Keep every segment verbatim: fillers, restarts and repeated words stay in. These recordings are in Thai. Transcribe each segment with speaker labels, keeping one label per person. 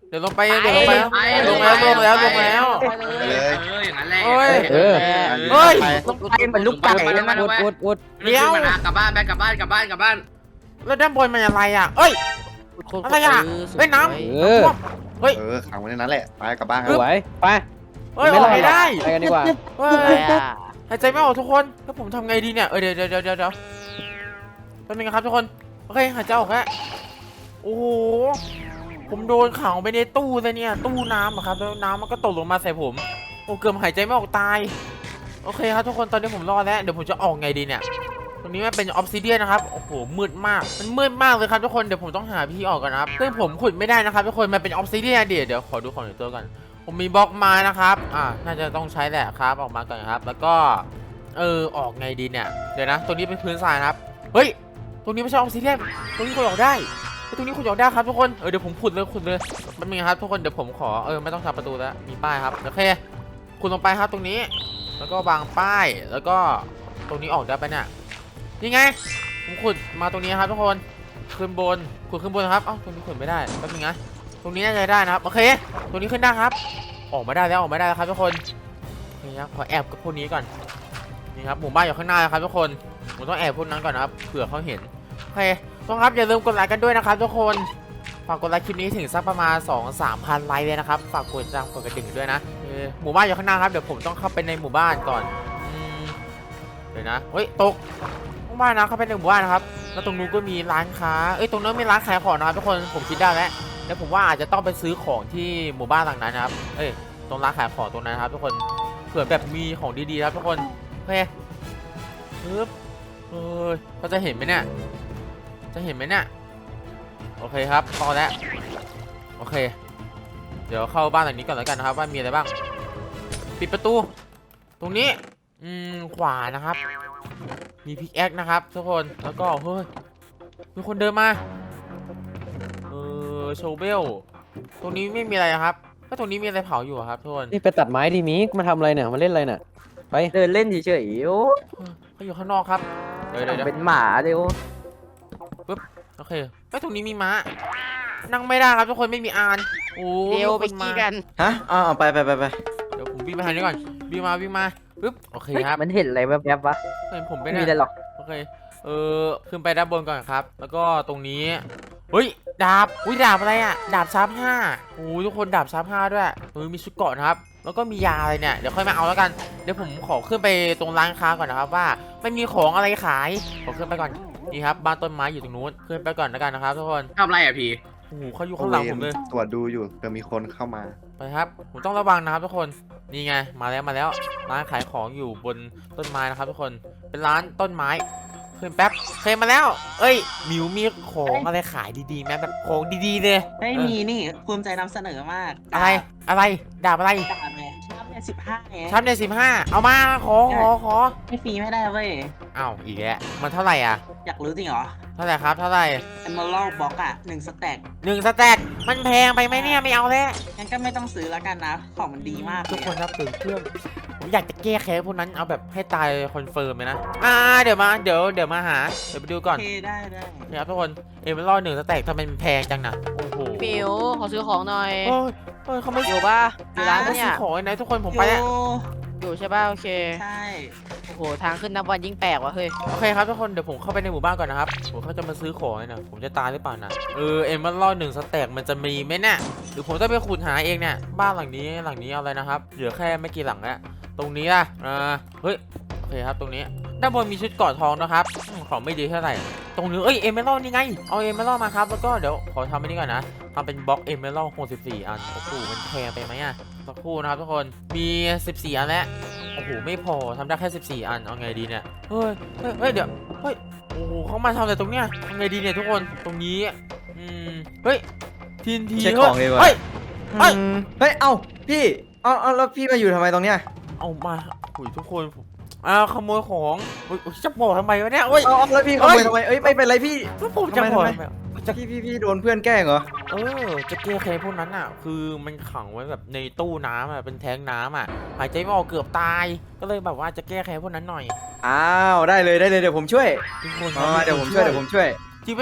Speaker 1: เดี๋ยวลงไปเดี๋ยวลงไปลงแล้วลงแล้วลงแล้ว
Speaker 2: เลย
Speaker 3: เอออย่างนั้นแหละ
Speaker 1: เฮ้ย
Speaker 4: เออ
Speaker 1: เฮ้ย
Speaker 4: ต้องไปเหมือนลูกไก่แล้วมัน
Speaker 3: อุ
Speaker 4: อุ
Speaker 3: ด
Speaker 4: ด
Speaker 3: อุ
Speaker 4: อุ
Speaker 3: ด
Speaker 4: ดอุด
Speaker 1: เดี๋ยว
Speaker 3: กลับบ้านไปกลับบ้านกลับบ้านกลับบ้าน
Speaker 1: แล้วด้านบนมันอะไรอ่ะเอ้ย อะไรอะเฮ้ยน้ำ
Speaker 4: เออ
Speaker 1: เฮ้ย
Speaker 2: เออขังไว้ในนั้นแหละไปกลับบ้านค
Speaker 4: ส
Speaker 2: รับ
Speaker 4: วยไป
Speaker 1: เฮ้ยออกไม่ได้
Speaker 4: ไปกันดีกว่า
Speaker 1: เฮ้ยหายใจไม่ออกทุกคนแล้วผมทำไงดีเนี่ยเออเดี๋ยวเดี๋ยวเดี๋ยวเดี๋ยวเดี๋ยวแป๊บนึงนะครับทุกคนโอเคหายใจออกแล้วโอ้โหผมโดนขังไปในตู้เลยเนี่ยตู้น้ำอะครับแล้วน้ำมันก็ตกลงมาใส่ผมโอ้เกือบหายใจไม่ออกตายโอเคครับทุกคนตอนนี้ผมรอดแล้วเดี๋ยวผมจะออกไงดีเนี่ยตรงนี้มันเป็นออฟซิเดียนนะครับโอ้โหมืดมากมันมืดมากเลยครับทุกคนเดี๋ยวผมต้องหาวิธีออกกันนะครับซึ่งผมขุดไม่ได้นะครับทุกคนมันเป็นออฟซิเดียนเดี๋ยวเดี๋ยวขอดูของในตัวก่อนผมมีบล็อกไม้นะครับอ่าน่าจะต้องใช้แหละครับออกมาก่อนครับแล้วก็เออออกไงดีเนี่ยเดี๋ยวนะตรงนี้เป็นพื้นทรายนะครับเฮ้ยตรงนี้ไม่ใช่ออฟซิเดียนตรงนี้ขุดออกได้ตรงนี้ขุดออกได้ครับทุกคนเออเดี๋ยวผมขุดเลยขุดเลยมันมีครับทุกคนเดี๋ยวผมขอเออไม่ต้องทำประตูแล้วมีป้ายครับโอเคขุดลงไปครับตรงนี้แล้วก็วางป้ายแล้วก็ตรงนี้ออกได้ปะเนี่ยนี่ไงผมขุดมาตรงนี้ครับทุกคนขึ้นบนขุดขึ้นบนครับเอ้าตรงนี้ขุดไม่ได้แป๊บนึงนะตรงนี้น่าจะได้นะครับโอเคตรงนี้ขึ้นได้ครับออกมาได้แล้วออกมาได้แล้วครับทุกคนนี่ครับขอแอบกับพวกนี้ก่อนนี่ครับหมู่บ้านอยู่ข้างหน้าครับทุกคนผมต้องแอบพวกนั้นก่อนนะครับเผื่อเขาเห็นโอเคต้องครับอย่าลืมกดไลค์กันด้วยนะครับทุกคนฝากกดไลค์คลิปนี้ถึงสักประมาณ สองถึงสามพัน ไลค์เลยนะครับฝากกดจังกดกระดิ่งด้วยนะหมู่บ้านอยู่ข้างหน้าครับเดี๋ยวผมต้องเข้าไปในหมู่บ้านก่อนเดี๋ยวนะเฮ้ยตกบ้านนะเข้าไปในหมู่บ้านนะครับแล้วตรงนู้นก็มีร้านค้าเอ้ยตรงนั้นมีร้านขายของนะครับทุกคนผมคิดได้แล้วแล้วผมว่าอาจจะต้องไปซื้อของที่หมู่บ้านหลังนั้นนะครับเอ้ยตรงร้านขายของตรงนั้นนะครับทุกคนเผื่อแบบมีของดีๆครับทุกคนโอเคปึ๊บเอ้ยเขาจะเห็นไหมเนี่ยจะเห็นไหมเนี่ยโอเคครับพอแล้วโอเคเดี๋ยวเข้าบ้านหลังนี้ก่อนแล้วกันนะครับว่ามีอะไรบ้างปิดประตูตรงนี้อืมขวานะครับมีพิกแอคนะครับทุกคนแล้วก็เฮ้ยมีคนเดินมาเออโชเบลตรงนี้ไม่มีอะไรครับก็ตรงนี้มีอะไรเผาอยู่ครับทุกคน
Speaker 4: นี่ไปตัดไม้ดีมิกมาทำอะไรเนี่ยมาเล่นอะไรเนี่ยไป
Speaker 5: เดินเล่นเฉยๆโอ้
Speaker 1: เขาอยู่ข้างนอกครับเดี๋ยวเดี๋ยวเดี๋ยว
Speaker 5: เป็นหมาเดียว
Speaker 1: โอเคไอ้ตรงนี้มีม้านั่งไม่ได้ครับทุกคนไม่มีอานโอ้
Speaker 6: เดี๋ยวไป
Speaker 1: มีค
Speaker 6: กี้
Speaker 1: มา
Speaker 6: กัน
Speaker 2: ฮะอ๋อไปไปไปไป
Speaker 1: เดี๋ยวผมวิ่งไปทางนี้ก่อนวิ่งมาวิ่งมาปึ๊บโอเคครับ
Speaker 5: มันเห็นอะไรแวบๆวะ
Speaker 1: เห็นผมไป
Speaker 5: ไม่
Speaker 1: ไหน
Speaker 5: มีอะไรหรอก
Speaker 1: โอเคเออขึ้นไปด้านบนก่อนครับแล้วก็ตรงนี้เฮ้ยดาบอุ้ยดาบอะไรอ่ะดาบชาร์ปห้าโอ้ทุกคนดาบชาร์ปห้าด้วยเออมีชุดเกราะนะครับแล้วก็มียาอะไรเนี่ยเดี๋ยวค่อยมาเอาแล้วกันเดี๋ยวผมขอขึ้นไปตรงร้านค้าก่อนนะครับว่าไม่มีของอะไรขายขอขึ้นไปก่อนนี่ครับบ้านต้นไม้อยู่ตรงนู้นขึ้นไปก่อนแล้วกันนะครับทุกคน
Speaker 3: ทำอะไรอ่ะพี่
Speaker 1: โอ้โหเขาอยู่ข้างหลังผมเลย
Speaker 2: ตรวจดูอยู่เผื่อมีคนเข้ามา
Speaker 1: ไปครับผมต้องระวังนะครับทุกคนนี่ไงมาแล้วมาแล้วร้านขายของอยู่บนต้นไม้นะครับทุกคนเป็นร้านต้นไม้ขึ้นแป๊บเคยมาแล้วเอ้ยมิวมีของอะไรขายดีๆไหมแบบของดีๆเลย
Speaker 7: ไม่มีนี่ภูมิใจนำเสนอมาก
Speaker 1: อะไรอะไรดาบอะไร
Speaker 7: ดาบไงชอบเนี่ยสิบห้าไง
Speaker 1: ชับในสิบห้าเอามาขอขอขอ
Speaker 7: ไม่ฟรีไม่ได้เว้ย
Speaker 1: อ้าวอีกแล้วมันเท่าไหร่อ่ะ
Speaker 7: อยากรู้จริงเหรอ
Speaker 1: เท่าไหร่ครับเท่าไหร่
Speaker 7: Emerald Box อ่ะหนึ่งสแต็ก
Speaker 1: หนึ่งสแต็กมันแพงไปไหมเนี่ยไม่เอาแล้ว
Speaker 7: งั้นก็ไม่ต้องซื้อแล้วกันนะ ของมันดีมาก
Speaker 1: ทุกคนครับตื่นเครื่องผมอยากจะแก้แค้นพวกนั้นเอาแบบให้ตายคอนเฟิร์มเลยนะอ่าเดี๋ยวมาเดี๋ยวเดี๋ยวมาหาเดี๋ยวไปดูก่
Speaker 7: โอ
Speaker 1: อน
Speaker 7: เคได้ได้
Speaker 1: นี่ครับทุกคนเอ็มรอดหนึ่งสแต็กทำไมมันแพงจังนะโอ้โห
Speaker 6: มิวขอซื้อของหน่อย
Speaker 1: เฮ้ยเฮ้ยเขาไม่
Speaker 6: อยู่ป่ะอยู่ร้าน
Speaker 1: เขา
Speaker 6: เนี่
Speaker 1: ซื้
Speaker 6: ย
Speaker 1: อของไอ้ไหนทุกคนผมไปแล้ว
Speaker 6: อยู่ใช่ป่ะโอเค
Speaker 7: ใช่
Speaker 6: โอ้โหทางขึ้นนับวันยิ่งแปลกว่ะเฮ้ย
Speaker 1: โอเคครับทุกคนเดี๋ยวผมเข้าไปในหมู่บ้านก่อนนะครับผมเขาจะมาซื้อของนะผมจะตายหรือเปล่านะเออเอ็มรอดหนึ่งสแต็กมันจะมีไหมเนี่ยหรือผมต้องไปขุดหาเองเนี่ยบ้านหลังนี้หลังนี้เอาอะไรนะครับเหลือแค่ไม่กี่หลังแล้วตรงนี้ล่ะอ่าเฮ้ยโอเคครับตรงนี้ด้านบนมีชุดเกราะทองนะครับอืมของไม่ดีเท่าไหร่ตรงนี้เอ้ยเอเมอรัลนี่ไงเอาเอเมอรัลมาครับแล้วก็เดี๋ยวขอทำอันนี้ก่อนนะทำเป็นบล็อกเอเมอรัลหกสิบสี่อันโอ้โหมันแพงไปไหมอะสักครู่นะครับทุกคนมีสิบสี่อันแล้วโอ้โหไม่พอทำได้แค่สิบสี่อันเอาไงดีเนี่ยเฮ้ยเฮ้ยเฮ้ยเดี๋ยวเฮ้ยโอ้โหเขามาทำอะไรตรงเนี้ยเอาไงดีเนี่ยทุกคนตรงนี้อืมเฮ้ยทีนที
Speaker 2: เช็คของดีกว่า
Speaker 1: เฮ้ย เฮ้ย
Speaker 2: อืมเฮ้ยเอ้าพี่เอ้าเอ้าแล้วพี่มาอยู่ทำไมตรงเนี้ย
Speaker 1: เอามาหุยทุกคนผมอ้าวขโมยของอุ๊ยอุ๊ยจะบอกทำไมวะเนี่ยเอ้ย
Speaker 2: เอ้าเอ้าแล้วพี่ขโมยทำไมเอ้ยไม่เป็นไรพี่
Speaker 1: แล้วผมจะ
Speaker 2: ทำไม
Speaker 1: บอก
Speaker 2: ทำไม
Speaker 1: ทำไม
Speaker 2: จะพี่พี่พี่โดนเพื่อนแกล้งเหรอ
Speaker 1: เออจะแก้แค้นพวกนั้นอ่ะ คือมันขังไว้แบบในตู้น้ำอ่ะเป็นแท้งน้ำอ่ะหายใจไม่ออกเกือบตาย ก็เลยแบบว่าจะแก้แค้นพวกนั้นหน่อย
Speaker 2: อ้าวได้เลยได้เลยเดี๋ยวผมช่วย
Speaker 1: ทุกคน
Speaker 2: มามาเดี๋ยวผมช่วยเดี๋ยวผมช่วย
Speaker 1: จริงปะเนี่ย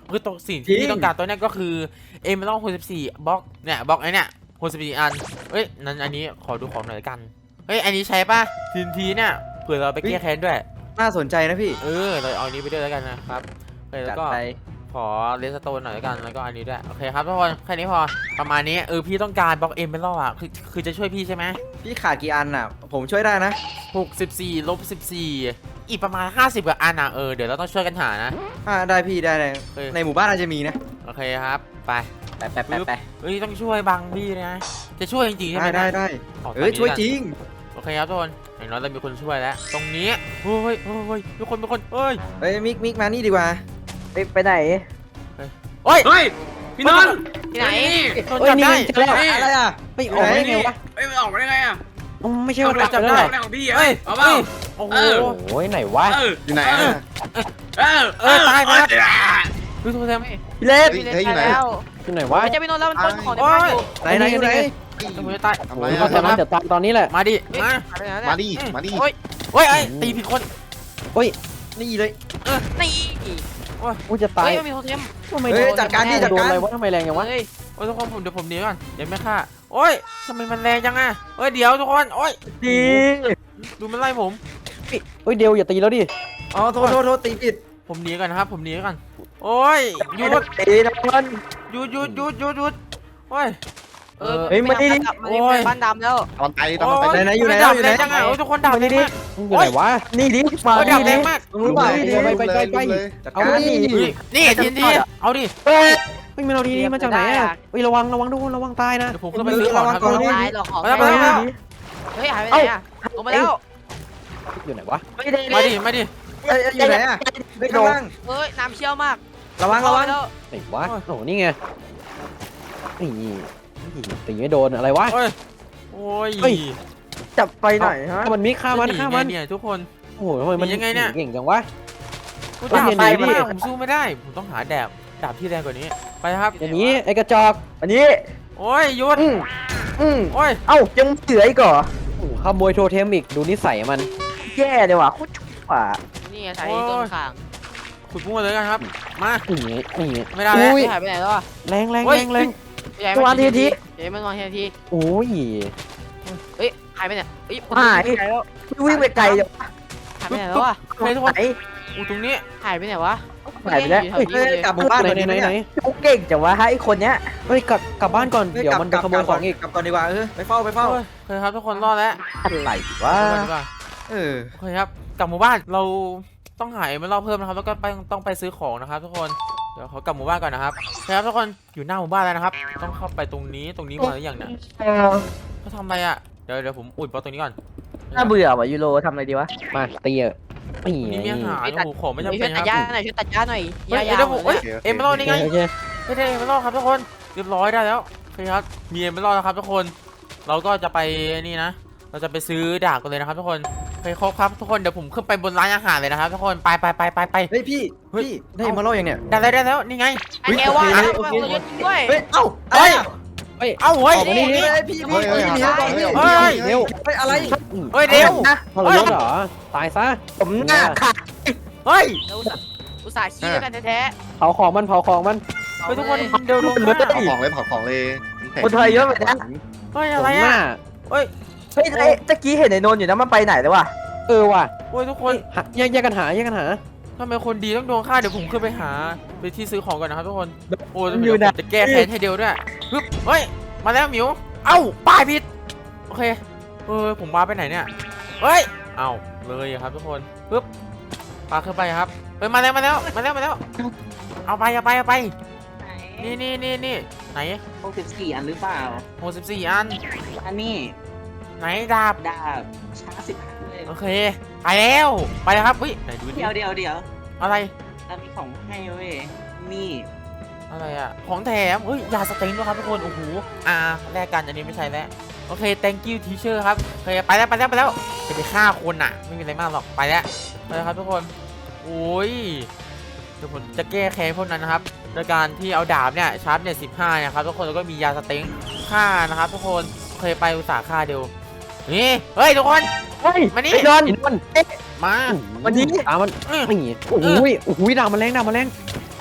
Speaker 1: คือตัวสิ่ง
Speaker 2: จริ
Speaker 1: ที่
Speaker 2: ง
Speaker 1: ต้องการตัวเนี้ยก็คือเอเมอรัลด์หกสิบสี่บล็อกเนี่ยบล็อกไอ้เนี่ยหกสิบสี่อันเอ้ยนั้นอันนี้ขอดูของหน่อยละกันเฮ้ยอันนี้ใช้ป่ะทีนทีเนี่ยเผื่อเราไปแก้แค้นด้วย
Speaker 2: น่าสนใจนะพี่
Speaker 1: เออเราเอาอันนี้ไปด้วยแล้วกันนะครับโอเคแล้
Speaker 2: จัด
Speaker 1: วก็
Speaker 2: ไป
Speaker 1: ขอเลสโตนหน่อยแล้วกันแล้วก็อันนี้ด้วยโอเคครับทุกคนแค่นี้พอประมาณนี้เออพี่ต้องการบล็อกเอเมอรัลด์อ่ะคือคือจะช่วยพี่ใช่ไหม
Speaker 2: พี่ขาดกี่อันอ่ะ ผมช่วยได้นะ
Speaker 1: หกสิบสี่ลบสิบสี่อีกประมาณห้าสิบกว่าอันอ่ะเออเดี๋ยวเราต้องช่วยกันหานะ
Speaker 2: อ่าได้พี่ได้เลย
Speaker 1: เออ
Speaker 2: ในหมู่บ้านอาจจะมีนะ
Speaker 1: โอเคครับไป
Speaker 2: ไปไปไปไป
Speaker 1: เฮ้ยต้องช่วยบังพี่นะจะช่วยจริงๆใช่ไหม
Speaker 2: ได้
Speaker 1: นี่
Speaker 2: ได้ได้
Speaker 1: ขตน
Speaker 2: เอ้ย
Speaker 1: นี้
Speaker 2: ช่วย
Speaker 1: ละ
Speaker 2: จริง
Speaker 1: โอเคครับทุกคนอย่างน้อยเรามีคนช่วยแล้ว ตรงนี้เฮ้ยเฮ้ยเฮ้ยทุกคนทุกคนเฮ้ย
Speaker 2: เฮ้ยมิกมิกมานี่ดีกว่า
Speaker 5: ไปไปไหน
Speaker 1: เฮ้ย
Speaker 3: เฮ้ยพี่นนท์
Speaker 6: ที่ไหน
Speaker 1: โดน
Speaker 4: เฮ้ย
Speaker 1: จับ
Speaker 4: นี่
Speaker 1: ได้
Speaker 4: เจอแล้ว
Speaker 2: อะไรอ่ะ
Speaker 4: เฮ้ยออกมาได้ไงวะ
Speaker 3: เฮ้ยมันออกมาได้ไงอ่ะ
Speaker 4: อ๋อไม่ใช่
Speaker 3: เอา
Speaker 4: ว่า
Speaker 3: ไป
Speaker 4: ตัด
Speaker 3: จับ
Speaker 4: แล้ว
Speaker 3: ได้
Speaker 4: แหละ
Speaker 3: ของพี่
Speaker 1: เฮ้
Speaker 3: อ่ะ
Speaker 1: ย
Speaker 3: เอาเปล่า
Speaker 1: โอ้โห
Speaker 3: เออ
Speaker 4: โอ้ยไหนวะ
Speaker 3: เออ
Speaker 8: อยู่ไหนอะ
Speaker 3: เออ
Speaker 1: เออตายไปครับ
Speaker 3: เออ
Speaker 1: ดูโทรศัพท์
Speaker 5: พี่เล็ก
Speaker 6: พี่เล่น
Speaker 8: เฮ้ยอยู่ไหน
Speaker 6: ไปแล้ว
Speaker 4: ที่ไหนวะ
Speaker 6: ไม่ใช่พี่นนท์แล้วมันปล้นของในบ้านอยู่
Speaker 2: ไหนไหนอยู่ไหน
Speaker 1: จะมือตาย
Speaker 8: ทำ
Speaker 4: โอ้
Speaker 8: ไร
Speaker 4: ยเขา
Speaker 8: อะ
Speaker 4: ทำนั้นเดี๋ยวตายตอนนี้แหละ
Speaker 1: มาดิมา
Speaker 6: หายไปไหนแล้ว
Speaker 8: มา
Speaker 6: เนี่ย
Speaker 8: ดิมาดิ
Speaker 1: เฮ้ยเฮ้ยไอ้ตีผิดคน
Speaker 2: นี่เลย
Speaker 6: นี่
Speaker 4: กูจะตาย
Speaker 6: เฮ้ยมันมีโทเทม
Speaker 4: ทำไม
Speaker 2: เฮ้ยจัดการดิจัด
Speaker 4: โดน
Speaker 2: การ
Speaker 4: อะไรวะทำไมแรงอย่างวะ
Speaker 6: เฮ้ย
Speaker 1: โอ้ยทุกคนผมเดี๋ยวผมหนีก่อนเดี๋ยวไม่ฆ่าโอ้ยทำไมมันแรงจังอ่ะเฮ้ยเดี๋ยวทุกคนโอ้ย
Speaker 5: ดี
Speaker 1: ดูมันไล่ผม
Speaker 4: เฮ้ยเดียวอย่าตีแล้วดิ
Speaker 2: อ๋อโทษโทษโทษตีผิด
Speaker 1: ผมหนีก่อนนะครับผมหนีก่อนโอ้ยหยุด
Speaker 5: ตีนะมัน
Speaker 1: หยุดหยุดหยุดหยุดหยุดโอ้ย
Speaker 6: เออ
Speaker 5: เฮ้ยมาดิ
Speaker 6: มันเป็นบ้านดำแล้ว
Speaker 8: ตอนไปตอนไป
Speaker 2: ไหนไหนอยู่ไหน
Speaker 1: ดับ
Speaker 2: อยู่
Speaker 1: แร
Speaker 2: ไหน
Speaker 1: งจังอ่ะโอ้ยทุกคนดับแรงมาก
Speaker 4: มึงอยู่ไหนวะ
Speaker 5: นี่ดิมา
Speaker 1: โอ้ย
Speaker 5: ดิ
Speaker 1: ดับแร
Speaker 5: ดิ
Speaker 1: งมาก
Speaker 2: รู้เปล่า
Speaker 4: ไปไปไปไปไป
Speaker 8: เลย
Speaker 2: จัด
Speaker 4: เอา
Speaker 2: การ
Speaker 4: ดิ
Speaker 1: เฮ้ยนี่ทีนี้เอาดิ
Speaker 5: เฮ้ย
Speaker 4: เฮ้ยมันเอาดีๆมาจากไหนอ่ะเฮ้ยระวังระวังทุกคนระวังตายนะ
Speaker 1: เดี๋ยวผมขึ้นไปซื้อของครับทุกคน
Speaker 6: ตายหรอกของ
Speaker 1: มาแล้วมาแล้วมาแล้ว
Speaker 6: เฮ้ยหายไปไหนอ่ะลงมาแล้ว
Speaker 4: อยู่ไหนวะ
Speaker 5: ไม่ได้
Speaker 1: มาดิมาดิ
Speaker 2: เอ้ยอยู่ไหนอ่ะไม่ข้างล่าง
Speaker 6: เฮ้ยน้ำเชี่ยวมาก
Speaker 2: ระวังระวัง
Speaker 6: แล้ว
Speaker 4: ไหนวะโอ้นี่ไงนี่ตีไม่โดนอะไรวะ
Speaker 1: โอ้ยโอ้ย
Speaker 4: เฮ้ย
Speaker 5: จับไปหน่อยฮะ
Speaker 4: ถ้ามันมิกฆ่ามันฆ่ามัน
Speaker 1: เนี่ยทุกคน
Speaker 4: โอ้โหทำไมมัน
Speaker 1: หนียังไงเนี่ย
Speaker 4: เก่งจังวะ
Speaker 1: กู
Speaker 4: เฮ้ย
Speaker 1: ดาบ
Speaker 4: อย่า
Speaker 1: ไป
Speaker 4: หนี
Speaker 1: มา
Speaker 4: ดิ
Speaker 1: ผมสู้ไม่ได้ผมต้องหาดาบดาบที่แรงกว่านี้ไปครับ
Speaker 4: อย่างนี้ไอ้กระจอก
Speaker 5: อันนี้
Speaker 1: โอ้ยหยุด
Speaker 5: อืมอืม
Speaker 1: โอ้ย
Speaker 5: เอ้ายังเสืออีกเหรอ
Speaker 4: โอ้โหขโมยโทเทมอีกดูนิสัยมัน
Speaker 5: แย่เลยว่ะโคตรชั่ว
Speaker 6: นี่ไงใช้ต้นขาง
Speaker 1: ขุดมั่วเลยกันครับมา
Speaker 4: นี่นี่
Speaker 1: ไม่ได้แล้ว
Speaker 4: อุ้ย
Speaker 6: หายไปไหนแล้วอ่ะ
Speaker 4: แรงแรง
Speaker 1: เฮ้ย
Speaker 4: แรงแรง
Speaker 6: ใหญ่มันทีทีเดี๋ยวมันวางทีที
Speaker 4: โอ้ย
Speaker 6: เฮ้ยหายไปไหนเฮ้ย
Speaker 5: หาย
Speaker 6: ไปไหนแล้ว
Speaker 5: วิ่งไปไกลจัง
Speaker 6: หายไปไหนแล้วอ่ะ
Speaker 1: เฮ้ยทุกคน
Speaker 5: ไหน
Speaker 1: อูตรงนี้
Speaker 6: หายไปไหนวะ
Speaker 5: หายไปแล้ว
Speaker 6: เฮ้ย
Speaker 2: เฮ้ยกลับหมู่บ้าน
Speaker 4: ไหน
Speaker 2: ก่อน
Speaker 4: ไหน
Speaker 2: ดี
Speaker 4: ไหน
Speaker 2: ไหม
Speaker 4: ไหน
Speaker 2: เนี่ย
Speaker 5: กูเก่งจังวะฮะไอ้คนเนี้ย
Speaker 4: เฮ้ยกลับกลับบ้านก่อน
Speaker 2: ฮ้
Speaker 4: เดี๋ยวมันจะขโมยของอีก
Speaker 2: กลับก่อนดีกว่าเออไปเฝ้าไปเฝ้า
Speaker 1: โอ้ยโอเคครับทุกคนรอดแล้ว
Speaker 5: อะไรวะ
Speaker 1: รอดดีกว่า
Speaker 2: เออ
Speaker 1: โอเคครับกลับหมู่บ้านเราต้องหาเอเมอรัลด์เพิ่มนะครับแล้วก็ไปต้องไปซื้อของนะครับทุกคนเดี๋ยวเขากลับหมู่บ้านก่อนนะครับโอเคครับทุกคนอยู่หน้าหมู่บ้านแล้วนะครับ ต้องเข้าไปตรงนี้ตรงนี้มาหรือยังเนี่ยเขาทำอะไรอ่ะเดี๋ยวเดี๋ยวผมอุดบล็อกตรงนี้ก่อน
Speaker 5: น่าเบื่อว่ะยูโรทำอะไรดีวะ
Speaker 4: มาตีอ่ะนี่
Speaker 1: ตรงนี้มีอาหารโอ้โหของไม่จำ
Speaker 6: ช่
Speaker 1: เป็
Speaker 6: วย
Speaker 1: น
Speaker 6: ตัด
Speaker 1: ค
Speaker 6: หญ้า
Speaker 1: รับ
Speaker 6: หน่อยช่วยตัดหญ้าหน่อยห
Speaker 1: เฮ้ย
Speaker 6: ญ้ายา
Speaker 1: เดี๋ยว
Speaker 6: ว
Speaker 1: ผมเฮ้ยเอเมอรัลด์นี่ไง
Speaker 4: โอเค
Speaker 1: ไม่ได้เอเมอรัลด์ครับทุกคนเรียบร้อยได้แล้วโอเคครับมีเอเมอรัลด์แล้วครับทุกคนเราก็จะไปนี่นะ เราจะไปซื้อดาบกันเลยนะครับทุกคนโอเคครบครับทุกคนเดี๋ยวผมขึ้นไปบนร้านอาหารเลยนะครับทุกคนไปไปไปไปไป
Speaker 2: เฮ้ยพี่
Speaker 1: เฮ้ย
Speaker 2: พี่ได้มาเล่ายังเนี่ย
Speaker 1: ได้แล้วได้แล้วนี่ไง
Speaker 6: ไอ้แกว่า
Speaker 2: โอเค
Speaker 6: มันเยอะจริงด้วย
Speaker 2: เฮ้ยเอ้าอะไรอ่ะ
Speaker 1: เอ้าเฮ้ย
Speaker 4: ออกมานี่
Speaker 2: เฮ้ยพี่พี่พี่หนีก่อนพี่
Speaker 1: เฮ้ย
Speaker 4: เร็ว
Speaker 2: เฮ้ยอะไร
Speaker 1: เฮ้ยเดี๋ยว
Speaker 5: นะ
Speaker 4: ทรยศเหรอตายซะ
Speaker 5: ผมหน้าขาด
Speaker 1: เฮ้ย
Speaker 6: แล้วอุตส่าห์อุตส่าห์ขี้ด้วยกันแท้
Speaker 4: เผาของมันเผาของมัน
Speaker 6: ๆ
Speaker 1: เฮ้ยทุกคนเดี๋ยวดู
Speaker 5: มัน
Speaker 1: ข้า
Speaker 8: เผาของเลยเผาของเลย
Speaker 5: คนไทยเยอะแบบนี้
Speaker 1: เฮ้ย
Speaker 4: ต
Speaker 1: อะไร
Speaker 4: รงห
Speaker 1: อ่ะ
Speaker 4: น้า
Speaker 1: เฮ้ย
Speaker 5: เฮ้ยไอ้ตะกี้เห็นไอ้นนท์อยู่นะมันไปไหนแล้ววะ
Speaker 4: เออว่ะ
Speaker 1: โอ้ยทุกคน
Speaker 4: หาแยกแยกกันหาแยกกันหา
Speaker 1: ทำไมคนดีต้องโดนฆ่าเดี๋ยวผมขึ้นไปหาไปที่ซื้อของก่อนนะครับทุกคนโอ้ยเดี๋ยวผมจะแก้แค้นให้เดียวด้วยฮึบเฮ้ยมาแล้วหมิวเอ้าป้ายผิดโอเคเออผมมาไปไหนเนี่ยเฮ้ยเอ้าเลยครับทุกคนปึ๊บปาขึ้นไปครับเฮ้ยมาแล้วมาแล้วมาแล้วมาแล้วเอาไปเอาไปเอาไปนี่นี่นี่นี่ไหน
Speaker 7: หกสิบสี่อันหรือเปล่า
Speaker 1: หกสิบสี่อัน
Speaker 7: อันนี้
Speaker 1: ไหนดาบ
Speaker 7: ดาบช้าสิบห้าเลย
Speaker 1: โอเคไปแล้วไปแล้วครับเฮ้ยไหนดูดิ
Speaker 7: เดี๋ยวเดี๋ยวเดี๋ยว
Speaker 1: อะไร
Speaker 7: เรามีของให้เว้ยนี่
Speaker 1: อะไรอะของแถมเฮ้ยยาสเต็งด้วยครับทุกคนโอ้โหอ่าแลกกันอันนี้ไม่ใช่แล้วโอเค thank you teacher ครับโอเคไปแล้วไปแล้วไปแล้วจะไปฆ่าคนอ่ะไม่มีอะไรมากหรอกไปแล้วไปแล้วครับทุกคนโอ้ยเดี๋ยวผมจะแก้แค้นพวกนั้นนะครับโดยการที่เอาดาบเนี่ยชาร์ปเนี่ยสิบห้าเนี่ยครับทุกคนแล้วก็มียาสเต็งฆ่านะครับทุกคนเคยไปอุตสาห์ฆ่าเดียวนี่เฮ้ยทุกคน
Speaker 5: เฮ้ย
Speaker 1: มานี่
Speaker 5: ไอ้นนท์
Speaker 4: อินมัน
Speaker 1: มา
Speaker 5: วันนี้
Speaker 4: ตามมัน
Speaker 1: อื้อ
Speaker 4: นี่โอ้โหโอ้โหดาบมันแรงดาบมันแรง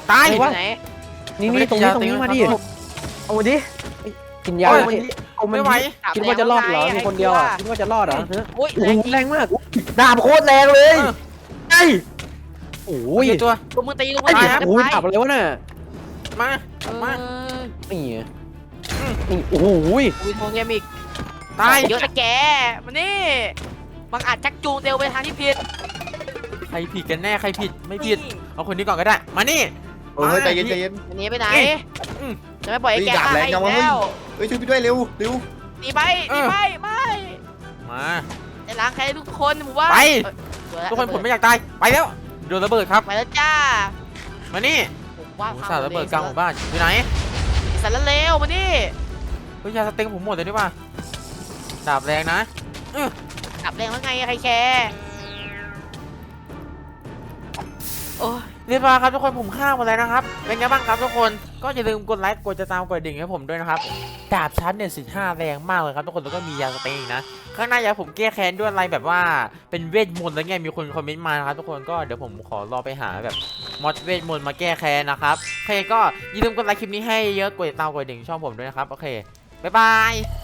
Speaker 1: ตาย
Speaker 6: อยู่ไหน
Speaker 4: นี่นี่ตรงนี้ตรงนี้มาดิ
Speaker 5: เอาดิ
Speaker 4: กินยา
Speaker 5: เอา
Speaker 4: ดิ
Speaker 5: ดิเอามัน
Speaker 1: ไม่ไหว
Speaker 5: ดิ
Speaker 4: คิดว่าจะรอดเหรอมีคนเดียวอ่ะคิดว่าจะรอดเหรอฮะ
Speaker 6: อุ้ย
Speaker 4: โอ้
Speaker 6: แรง
Speaker 4: โห
Speaker 6: จริง
Speaker 4: แรงมาก
Speaker 5: ดาบโคตรแรงเลย
Speaker 1: เออ
Speaker 5: ไอ้
Speaker 4: โอ้
Speaker 1: โอ้
Speaker 4: ย
Speaker 1: ยตัว
Speaker 6: ลูกมือตีลูกมื
Speaker 4: ไอ้
Speaker 6: อ
Speaker 4: เหี้
Speaker 6: ตี
Speaker 4: ยโอ้ยดับอะไรวะน่ะ
Speaker 1: มา
Speaker 6: เออ
Speaker 1: มา
Speaker 4: นี่ไงนี่โอ้โห
Speaker 6: อุ้ยโทงเกมอีก
Speaker 1: ตาย
Speaker 6: เยอะนะแกมานี่บังอาจชักจูงเตลไปทางที่ผิด
Speaker 1: ใครผิดกันแน่ใครผิดไม่ผิดเอาคนนี้ก่อนก็ได้มานี่
Speaker 8: เฮ้ยใจเย็นใจเย็น
Speaker 6: อันนี้ไปไหน
Speaker 1: อืม
Speaker 6: จะไม่ปล่อยให้แก
Speaker 8: เฮ้ยดาบ
Speaker 6: ฆ่า
Speaker 8: แรง
Speaker 6: ให้
Speaker 8: จังวะ
Speaker 6: แล้ว
Speaker 8: เฮ้ยช่วยพี่ด้วยเร็วเร็ว
Speaker 6: หนีไปหนีไปไม่
Speaker 1: มา
Speaker 6: จะล้างใครทุกคนหมู่บ้าน
Speaker 1: ไป
Speaker 6: เอ้ยเดี๋ยวะ
Speaker 1: ทุกคนผมไม่อยากตายไปแล้วโดนระเบิดครับ
Speaker 6: ไปแล้วจ้า
Speaker 1: มานี่
Speaker 6: ผมว่า
Speaker 1: โอ้โหสาดระเบิดกลางหมู่บ้านอยู่ไหน
Speaker 6: สารเลวมานี่
Speaker 1: เฮ้ยยาสเต็งผมหมดเลยดีกว่าดาบแรงนะ
Speaker 6: กลับแรงแล้วไงใครแคร์โอ้ย
Speaker 1: เรียบร้อยครับทุกคนผมฆ่าหมดแล้วนะครับเป็นไงบ้างครับทุกคนก็อย่าลืมกดไลค์กดติดตามกดดิ่งให้ผมด้วยนะครับดาบชั้นเนี่ยสิบห้าแรงมากเลยครับทุกคนแล้วก็มียาสเต็งอีกนะข้างหน้าอยากให้ผมแก้แค้นด้วยอะไรแบบว่าเป็นเวทมนต์แล้วไงมีคนคอมเมนต์มานะครับทุกคนก็เดี๋ยวผมขอรอไปหาแบบมอดเวทมนต์มาแก้แค้นนะครับโอเคก็อย่าลืมกดไลค์คลิปนี้ให้เยอะกดติดตามกดดิ่งช่องผมด้วยนะครับโอเคบ๊ายบาย